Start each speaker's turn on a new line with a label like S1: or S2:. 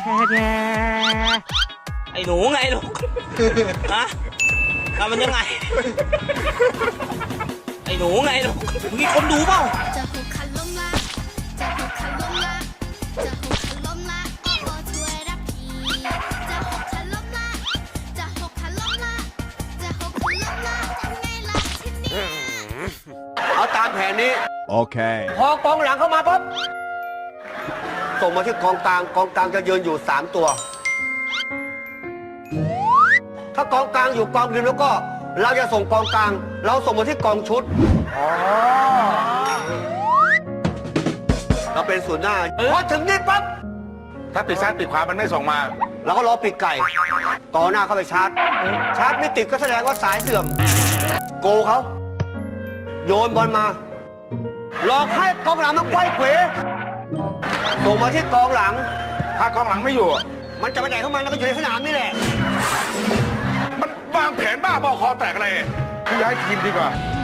S1: ไอ้หนูไงลูกฮะทำมันยังไงไอ้หนูไงลูกมีคนดูเปล่า
S2: จะหกคันล้มละจะหกคันล้มละจะหกคันล้มละโอ้โอ้ช่วยรับทีจะหกคันล้มละจะหกคันล้มละจะหกคันล้มละทำไงล่ะทีนี้
S3: เอาตามแผนนี้
S4: Okay.
S3: พอกองหลังเข้ามาปุ๊บส่งมาที่กองกลางกองกลางจะยืนอยู่3ตัว ถ้ากองกลางอยู่กองริมแล้วก็เราจะส่งกองกลาง เราส่งมาที่กองชุดเราเป็นศูนย์หน้าพอถึงนี่ปั๊บ
S5: ถ้าปิดซ้ายปิดขวามันไม่ส่งมา
S3: เราก็รอปีกไก่ต่อหน้าเข้าไปชาร์จ ชาร์จไม่ติดก็แสดงว่าสายเสื่อม โกเขาโยนบอลมาหลอกให้กองหลังมันไขว้เขวส่งมาที่กองหลัง
S5: ถ้ากองหลังไม่อยู่
S3: มันจะไปไหนของมันแล้วก็อยู่ในสนามนี่แหละ
S5: มันวางแผนบ้าบอคอแตกอะไรย้ายทีมดีกว่า